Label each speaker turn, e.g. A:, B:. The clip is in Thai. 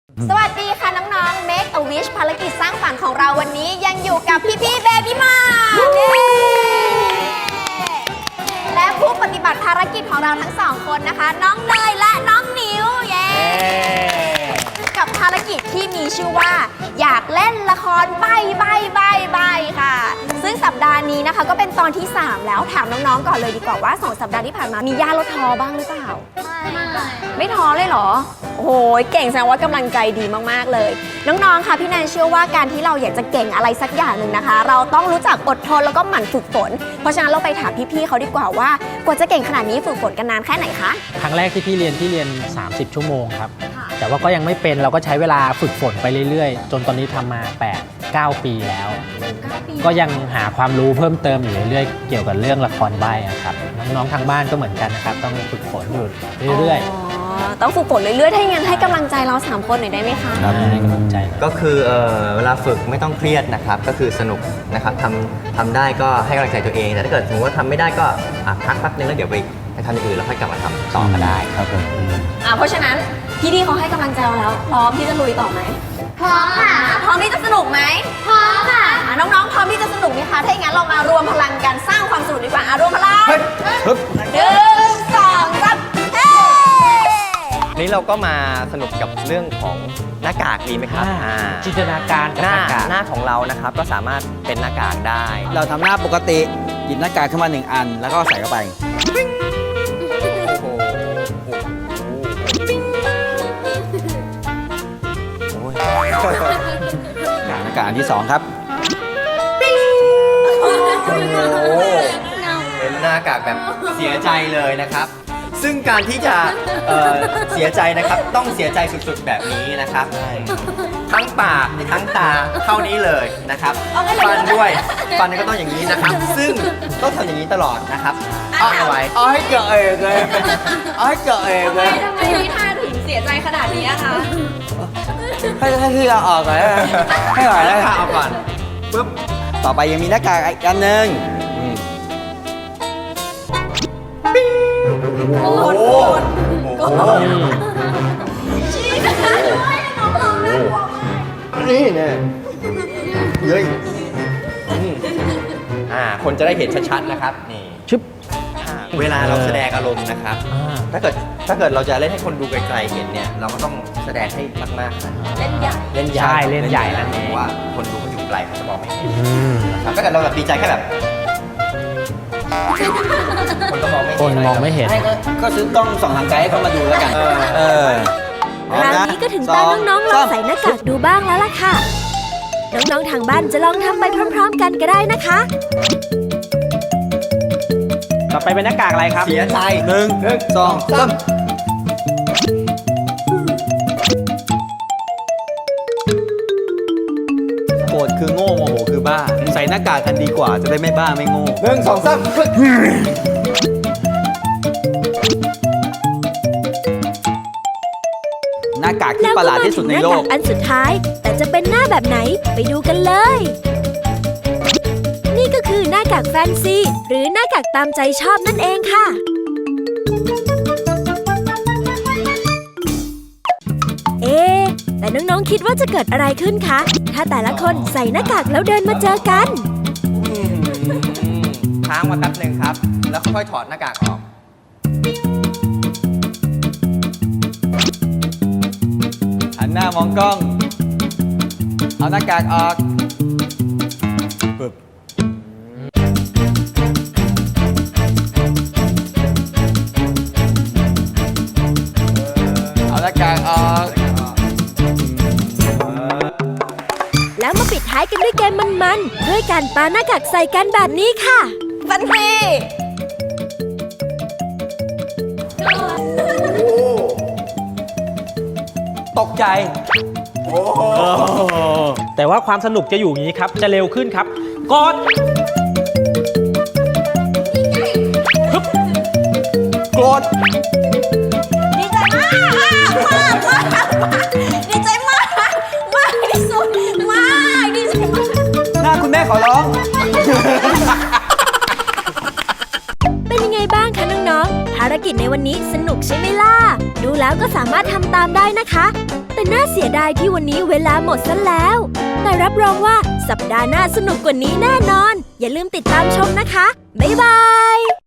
A: สวัสดีค่ะน้องๆ Make a Wish ภารกิจสร้างฝันของเราวันนี้ยังอยู่กับพี่ๆ Baby Mart และผู้ปฏิบัติภารกิจของเราทั้งสองคนนะคะ น้องเนยและน้องนิวเย้กับภารกิจที่มีชื่อว่าอยากเล่นละครใบ้ค่ะซึ่งสัปดาห์นี้นะคะก็เป็นตอนที่ 3 แล้วถามน้องๆก่อนเลยดีกว่าว่า2 สัปดาห์ที่ผ่านมามีย่าลดท้อบ้างหรือเปล่าไม่ท้อเลยเหรอโอ้โหเก่งแสดงว่ากำลังใจดีมากๆเลยน้องๆค่ะพี่แนนเชื่อว่าการที่เราอยากจะเก่งอะไรสักอย่างหนึ่งนะคะเราต้องรู้จักอดทนแล้วก็หมั่นฝึกฝนเพราะฉะนั้นเราไปถามพี่ๆเขาดีกว่าว่ากว่าจะเก่งขนาดนี้ฝึกฝนกันนานแค่ไหนคะ
B: ครั้งแรกที่พี่เรียน30 ชั่วโมงครับแต่ว่าก็ยังไม่เป็นเราก็ใช้เวลาฝึกฝนไปเรื่อยๆจนตอนนี้ทำมา8-9 ปีแล้วก็ยังหาความรู้เพิ่มเติมอยู่เรื่อยๆเกี่ยวกับเรื่องละครใบ้ครับน้องๆทางบ้านก็เหมือนกันนะครับต้องฝึกฝนอยู่เรื่อยๆ
A: ต้องฝึกฝนเรื่อยๆถ้าอย่างนั้นให้กำลังใจเรา3 คนหน่อยได้ไหมคะ
B: ให้กำลังใจ
C: ก็คือเวลาฝึกไม่ต้องเครียดนะครับก็คือสนุกนะครับทำได้ก็ให้กำลังใจตัวเองแต่ถ้าเกิดสมมติว่าทำไม่ได้ก็พักแป๊บนึงแล้วเดี๋ยวไปทำอย่างอื่นแล้วค่อยกลับมาทำต่อก็ได้ครับผม
A: เพราะฉะนั้นพี่ดีเขาให้กำลังใจเราแล้วพร้อมที่จะลุยต่อไหมพร้อมค่ะพร้อมที่จะสนุกไหมพร้อมค่ะน้องๆพร้อมที่จะสนุกไหมคะถ้าอย่างนั้นเรามารวมพลังกันสร้างความสนุกดีกว่ารวมพลัง1 2 3เฮ้
C: นี้เราก็มาสนุกกับเรื่องของหน้ากากดีไหมครับ
B: จินตนาการ
C: หน้าของเรานะครับก็สามารถเป็นหน้ากากได้
D: เราทำหน้าปกติหยิบหน้ากากขึ้นมา1 อันแล้วก็ใส่เข้าไปหน้ากากอันที่ 2ครับ
C: เป็นหน้ากากแบบเสียใจเลยนะครับซึ่งการที่จะเสียใจนะครับต้องเสียใจสุดๆแบบนี้นะครับทั้งปากทั้งตาเท่านี้เลยนะครับฟันด้วยฟันก็ต้องอย่างนี้นะครับซึ่งต้องทำอย่างนี้ตลอดนะครับอ้อไว้
D: เอาให้เกิดเองเลยเอาให้เกิดเองเลย
A: ทำไมพี่ท่าถึงเสียใจขนาดนี้คะ
D: ให้ที่เราออกก่อนให้หน่อยนะ
C: ถ้าเอาก่อนปุ๊บ
D: ต่อไปยังมีหน้ากากอีกอันหนึ่ง
A: โอ้โห
C: นี่เนี่ยเฮ้ยคนจะได้เห็นชัดๆนะครับนี่
B: ชึบ
C: เวลาเราแสดงอารมณ์นะครับถ้าเกิดเราจะเล่นให้คนดูไกลๆเห็นเนี่ยเราก็ต้องแสดงให้มากๆนะ
A: เล่นใหญ่
B: เล่นใหญ่นั่นเอง
C: ว่าคนดูเขาอยู่ไกลเขาจะมองไม่เห็นนะครับถ้าเกิดเราแบบดีใจแค่แบบคนก็มองไม่เห็น
D: ก็ซื้อกล้องส่องทางไกลให้เขามาดูแล้วกัน
E: คราวนี้ก็ถึงตาน้องๆลองใส่หน้ากากดูบ้างแล้วล่ะค่ะน้องๆทางบ้านจะลองทำไปพร้อมๆกันก็ได้นะคะ
B: ต่อไปเป็นหน้ากากอะไรครับ
C: เสียใจ
D: 1 2 3โกรธคือโง่โมโหคือบ้าใส่หน้ากากกันดีกว่าจะได้ไม่บ้าไม่โง่
C: 1 2 3
D: หน้ากากที่ประหลาดที่สุดในโลก
E: อันสุดท้ายแต่จะเป็นหน้าแบบไหนไปดูกันเลยนี่ก็คือหน้ากากแฟนซีหรือหน้ากากตามใจชอบนั่นเองค่ะแต่น้องๆคิดว่าจะเกิดอะไรขึ้นคะถ้าแต่ละคนใส่หน้ากากแล้วเดินมาเจอกัน
C: ค้างมาแป๊บนึงครับแล้วค่อยๆถอดหน้ากากออก
D: หันหน้ามองกล้องเอาหน้ากากออกปึ๊บเอาหน้ากากออก
E: แล้วมาปิดท้ายกันด้วยเกมมันๆด้วยการปาหน้ากากใส่กันแบบนี้ค่ะ
A: ฟันที
D: ตกใจ
B: แต่ว่าความสนุกจะอยู่อย่างนี้ครับจะเร็วขึ้นครับกด
D: โกรธ
A: ดีใจมากดีใจมากที่สุดดีใจมาก
D: หน้าคุณแม่ขอร้อง
E: เป็นยังไงบ้างคะน้องๆภารกิจในวันนี้สนุกใช่ไหมล่ะดูแล้วก็สามารถทำตามได้นะคะแต่น่าเสียดายที่วันนี้เวลาหมดซะแล้ว แต่รับรองว่าสัปดาห์หน้าสนุกกว่านี้แน่นอน อย่าลืมติดตามชมนะคะ บ๊ายบาย